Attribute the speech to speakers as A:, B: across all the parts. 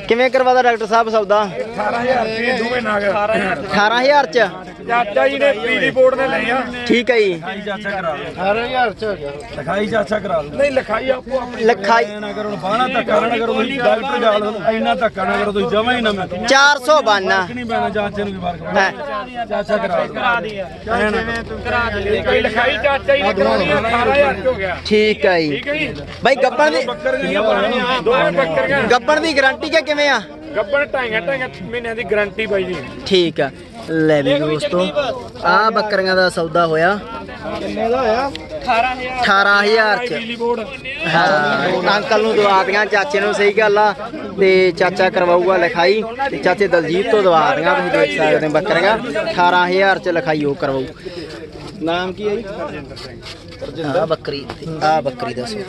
A: ਕਿਵੇਂ ਕਰਵਾਦਾ ਡਾਕਟਰ ਸਾਹਿਬ ਸੌਦਾ?
B: 18000 ਰੁਪਏ ਦੋਵੇਂ ਨਾਗ
A: 18000 ਚ
B: ਚਾਚਾ ਜੀ ਨੇ ਪੀਡੀ ਬੋਰਡ ਨੇ ਲਏ ਆ।
A: ਠੀਕ ਹੈ ਜੀ।
B: ਚਾਚਾ ਕਰਾ ਲਓ 18000 ਚ ਹੋ ਗਿਆ। ਲਿਖਾਈ ਚਾਚਾ ਕਰਾ ਲਓ। ਨਹੀਂ ਲਿਖਾਈ ਆਪੋ ਆਪਣੀ
A: ਲਿਖਾਈ
B: ਨਾ ਕਰੋ ਬਾਹਣਾ ਧੱਕਾ ਨਾ ਕਰੋ ਤੁਸੀਂ ਡਾਕਟਰ ਜਾਲ ਇੰਨਾ ਧੱਕਾ ਨਾ ਕਰੋ ਤੁਸੀਂ ਜਮਾ ਹੀ ਨਾ ਮੈਂ
A: 400 ਬਾਨਾ
B: ਨਹੀਂ ਪੈਣਾ ਚਾਚੇ ਨੂੰ ਵੀ ਬਾਹਰ ਚਾਚਾ ਕਰਾ ਦੇ ਕੋਈ ਲਿਖਾਈ ਚਾਚਾ ਜੀ ਨੇ ਕਰਾਉਣੀ 18000 ਚ ਹੋ ਗਿਆ।
A: ਠੀਕ ਹੈ ਜੀ।
B: ਠੀਕ ਹੈ ਜੀ
A: ਬਾਈ ਗੱਬਣ ਦੀ
B: ਦੋਵੇਂ ਬੱਕਰੀਆਂ
A: ਗੱਬਣ ਦੀ ਗਾਰੰਟੀ ਕਿ ਕਿਵੇਂ ਆ?
B: ਗੱਬਣ ਢਾਈਆਂ ਮਹੀਨਿਆਂ ਦੀ ਗਾਰੰਟੀ ਬਾਈ ਜੀ।
A: ਠੀਕ ਆ ਲੈ ਵੀ ਦੋਸਤੋ ਆ ਬੱਕਰੀਆਂ ਦਾ ਸੌਦਾ ਹੋਇਆ।
B: ਕਿੰਨੇ ਦਾ ਹੋਇਆ?
A: 18000 ਚ।
B: ਬਿਜਲੀ ਬੋਰਡ
A: ਹਾਂ ਅੰਕਲ ਨੂੰ ਦਵਾ ਦੀਆਂ ਚਾਚੇ ਨੂੰ, ਸਹੀ ਗੱਲ ਆ। ਤੇ ਚਾਚਾ ਕਰਵਾਊਗਾ ਲਿਖਾਈ ਤੇ ਚਾਚੇ ਦਲਜੀਤ ਤੋਂ ਦਵਾ ਦੀਆਂ। ਤੁਸੀਂ ਦੇਖ ਸਕਦੇ ਹੋ ਬੱਕਰੀਆਂ 18000 ਚ ਲਿਖਾਈ ਉਹ ਕਰਵਾਊ। ਨਾਮ ਕੀ ਹੈ ਜੀ? ਆ ਬੱਕਰੀ ਦੱਸੋ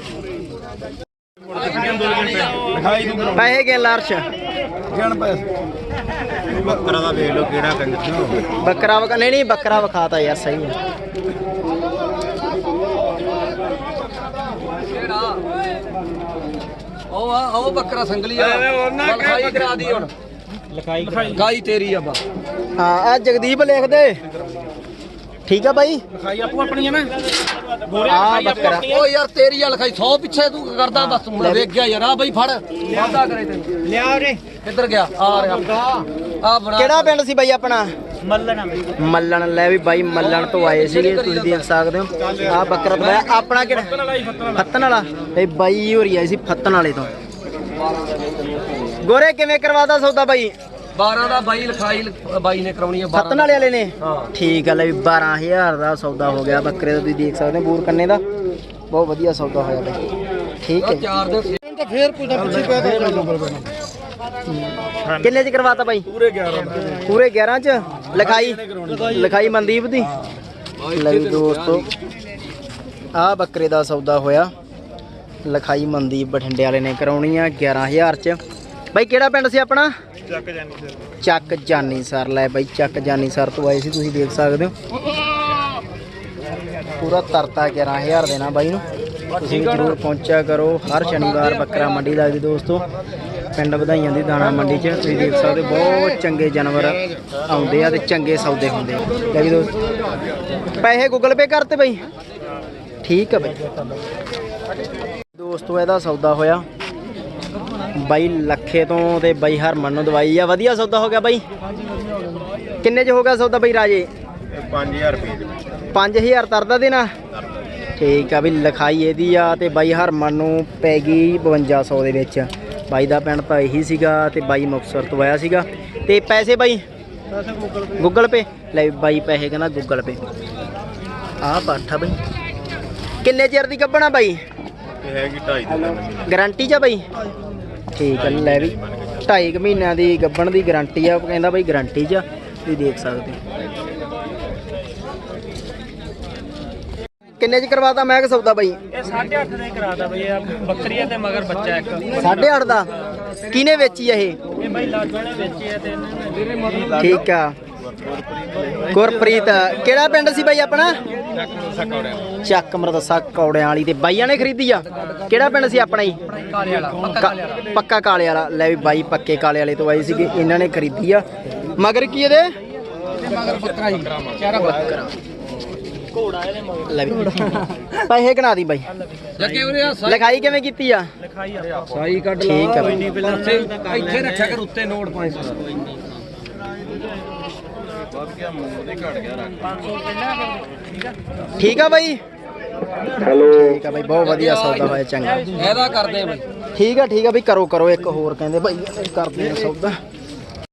A: ਪੈਸੇ ਕੇ ਲਾਰਸ਼
B: ਬੱਕਰਾ ਦਾ ਵੇਖ ਲਓ ਕਿਹੜਾ
A: ਬੱਕਰਾ ਵਖਾ ਨਹੀਂ ਬੱਕਰਾ ਵਿਖਾਤਾ ਯਾਰ ਸਹੀ ਹੈ।
C: ਉਹ ਬੱਕਰਾ ਸੰਗਲੀ ਆ ਲਿਖਾਈ ਕਰਾ ਦੀ ਹੁਣ। ਲਿਖਾਈ ਤੇਰੀ ਆ ਬਾ।
A: ਹਾਂ ਆ ਜਗਦੀਪ ਲਿਖ ਦੇ। ਠੀਕ ਆ ਬਾਈ
B: ਲਿਖਾਈ ਆਪੋ ਆਪਣੀ ਹੈ ਨਾ।
A: ਆ ਬੱਕਰਾ
C: ਓ ਯਾਰ ਤੇਰੀ ਆ ਲਿਖਾਈ 100 ਪਿੱਛੇ ਤੂੰ ਕਰਦਾ ਬਸ ਹੁਣ ਵੇਖ ਗਿਆ ਯਾਰ। ਆ ਬਈ ਫੜ ਵਾਦਾ ਕਰੇ ਤੈਨੂੰ
A: ਲਿਆ ਰੇ।
C: ਕਿੱਧਰ ਗਿਆ? ਆ ਰਿਹਾ ਆ ਬਣਾ।
A: ਕਿਹੜਾ ਪਿੰਡ ਸੀ ਬਾਈ ਆਪਣਾ? ਮੱਲਣ ਲੈ ਵੀ ਬਾਈ ਮੱਲਣ ਤੋਂ ਆਏ ਸੀਗੇ, ਤੁਸੀਂ ਦੇਖ ਸਕਦੇ ਹੋ। ਆ ਬੱਕਰਾ ਦਵਾਇਆ ਆਪਣਾ ਕਿਹੜਾ? ਫੱਤਨ ਵਾਲਾ। ਇਹ ਬਾਈ ਹੋਰੀ ਆਏ ਸੀ ਫੱਤਨ ਵਾਲੇ ਤੋਂ। ਗੋਰੇ ਕਿਵੇਂ ਕਰਵਾਦਾ ਸੌਦਾ ਬਾਈ?
C: 12 ਦਾ ਬਾਈ ਲਿਖਾਈ ਬਾਈ ਨੇ ਕਰਾਉਣੀ ਆ।
A: ਫੱਤਨ ਵਾਲੇ ਨੇ
C: ਹਾਂ
A: ਠੀਕ ਆ ਲੈ ਵੀ 12000 ਦਾ ਸੌਦਾ ਹੋ ਗਿਆ ਬੱਕਰੇ ਦਾ। ਤੁਸੀਂ ਦੇਖ ਸਕਦੇ ਹੋ ਬੂਰ ਕੰਨੇ ਦਾ ਬਹੁਤ ਵਧੀਆ ਸੌਦਾ ਹੋਇਆ ਬਾਈ। ਠੀਕ ਹੈ
C: 4 ਦਿਨ
B: ਤਾਂ ਫੇਰ ਪੁੱਛਦਾ ਪਿੱਛੇ ਪਿਆ
A: ਕਿੰਨੇ ਚ ਕਰਵਾਤਾ ਬਾਈ? ਪੂਰੇ 11 ਚ। ਲਿਖਾਈ ਮਨਦੀਪ ਦੀ। ਲੈ ਵੀ ਦੋਸਤੋ ਆ ਬੱਕਰੇ ਦਾ ਸੌਦਾ ਹੋਇਆ। ਲਿਖਾਈ ਮਨਦੀਪ ਬਠਿੰਡੇ ਵਾਲੇ ਨੇ ਕਰਾਉਣੀ ਆ 11000 ਚ। ਬਾਈ ਕਿਹੜਾ ਪਿੰਡ ਸੀ ਆਪਣਾ? ਚੱਕ ਜਾਨੀ ਸਰ। ਲੈ ਬਾਈ ਚੱਕ ਜਾਨੀ ਸਰ ਤੋਂ ਆਏ ਸੀ, ਤੁਸੀਂ ਦੇਖ ਸਕਦੇ ਹੋ। ਪੂਰਾ ਤਰਤਾ 11000 ਦੇਣਾ ਬਾਈ ਨੂੰ। ਤੁਸੀਂ ਜ਼ਰੂਰ ਪਹੁੰਚਿਆ ਕਰੋ। ਹਰ ਸ਼ਨੀਵਾਰ ਬੱਕਰਾ ਮੰਡੀ ਲੱਗਦੀ ਦੋਸਤੋ ਪਿੰਡ ਵਧਾਈਆਂ ਦੀ ਦਾਣਾ ਮੰਡੀ 'ਚ। ਤੁਸੀਂ ਦੇਖ ਸਕਦੇ ਹੋ ਬਹੁਤ ਚੰਗੇ ਜਾਨਵਰ ਆਉਂਦੇ ਆ ਤੇ ਚੰਗੇ ਸੌਦੇ ਹੁੰਦੇ ਆ। ਲੈ ਵੀ ਦੋਸਤੋ ਪੈਸੇ ਗੂਗਲ ਪੇ ਕਰਤੇ ਬਾਈ? ਠੀਕ ਆ ਬਾਈ। ਦੋਸਤੋ ਇਹਦਾ ਸੌਦਾ ਹੋਇਆ ਬਾਈ ਲੱਖੇ ਤੋਂ ਤੇ ਬਾਈ ਹਰਮਨ ਨੂੰ ਦਵਾਈ ਆ। ਵਧੀਆ ਸੌਦਾ ਹੋ ਗਿਆ ਬਾਈ। ਕਿੰਨੇ 'ਚ ਹੋ ਗਿਆ ਸੌਦਾ ਬਾਈ ਰਾਜੇ?
B: 5000 ਰੁਪਏ
A: 5000 ਤਰਦਾ ਦੇਣਾ। ਠੀਕ ਆ ਵੀ ਲਿਖਾਈ ਇਹਦੀ ਆ ਤੇ ਬਾਈ ਹਰਮਨ ਨੂੰ ਪੈ ਗਈ 5200 ਦੇ ਵਿੱਚ। ਬਾਈ ਦਾ ਪਿੰਡ ਤਾਂ ਇਹੀ ਸੀਗਾ ਤੇ ਬਾਈ ਮੁਕਤਸਰ ਤੋਂ ਆਇਆ ਸੀਗਾ। ਤੇ ਪੈਸੇ ਬਾਈ ਗੂਗਲ ਪੇ? ਲੈ ਬਾਈ ਪੈਸੇ ਕਹਿੰਦਾ ਗੂਗਲ ਪੇ। ਆਹ ਪਾਠਾ ਬਾਈ ਕਿੰਨੇ ਚਿਰ ਦੀ ਕੱਢਣਾ ਬਾਈ?
B: ਹੈਗੀ 2.5
A: ਗਾਰੰਟੀ 'ਚ ਆ ਬਾਈ? ਠੀਕ ਆ ਲੈ ਵੀ 2.5 ਮਹੀਨਿਆਂ ਦੀ ਗੱਭਣ ਦੀ ਗਾਰੰਟੀ ਆ। ਕਹਿੰਦਾ ਬਾਈ ਗਾਰੰਟੀ 'ਚ। ਤੁਸੀਂ ਦੇਖ ਸਕਦੇ ਹੋ। ਕਿੰਨੇ 'ਚ ਕਰਵਾਤਾ ਮੈਂ ਕਿ ਸੌਦਾ ਬਾਈ?
D: ਇਹ 8.5 ਦਾ ਹੀ ਕਰਾਤਾ ਬਈ। ਇਹ ਬੱਕਰੀ ਤੇ ਮਗਰ ਬੱਚਾ ਇੱਕ
A: 8.5 ਦਾ। ਕਿਹਨੇ ਵੇਚੀ ਆ ਇਹ?
D: ਇਹ ਬਈ ਲਾਜੋ ਨੇ ਵੇਚੀ ਹੈ ਤੇ ਇਹਨਾਂ ਨੇ
A: ਠੀਕ ਆ ਗੁਰਪ੍ਰੀਤ। ਕਿਹੜਾ ਪਿੰਡ ਸੀ ਬਾਈ ਆਪਣਾ? ਚੱਕ ਮਰਦਸਾ ਕੌੜਿਆਂ ਵਾਲੀ। ਤੇ ਬਾਈਆਂ ਨੇ ਖਰੀਦੀ ਆ? ਕਿਹੜਾ ਪਿੰਡ ਸੀ ਆਪਣਾ ਜੀ?
C: ਕਾਲੇ ਵਾਲਾ
A: ਪੱਕਾ ਕਾਲੇ ਵਾਲਾ। ਲੈ ਵੀ ਬਾਈ ਪੱਕੇ ਕਾਲੇ ਵਾਲੇ ਤੋਂ ਆਏ ਸੀਗੇ, ਇਹਨਾਂ ਨੇ ਖਰੀਦੀ ਆ। ਮਗਰ ਕੀ ਇਹਦੇ?
C: ਮਗਰ ਬੱਕਰਾ ਜੀ ਚਾਰਾ ਬੱਕਰਾ
A: ਲੈ ਵੀ ਪੈਸੇ ਗਣਾ ਦੀ ਬਾਈ।
C: ਜੱਕੇ ਉਰੇ ਆ
A: ਲਿਖਾਈ ਕਿਵੇਂ ਕੀਤੀ ਆ?
C: ਸਾਈ ਕੱਢ ਲਾ।
A: ਠੀਕ ਆ ਬਾਈ।
C: ਇੱਥੇ ਰੱਖਿਆ ਕਰ ਉੱਤੇ ਨੋਟ 500 ਦਾ।
A: ਠੀਕ ਆ ਬਾਈ। ਠੀਕ ਆ ਬਾਈ ਬਹੁਤ ਵਧੀਆ ਸੌਦਾ ਹੋਇਆ ਚੰਗਾ।
C: ਇਹਦਾ ਕਰਦੇ ਬਈ।
A: ਠੀਕ ਆ ਬਈ ਕਰੋ ਇੱਕ ਹੋਰ ਕਹਿੰਦੇ ਬਾਈ ਕਰਦੇ ਆ ਸੌਦਾ।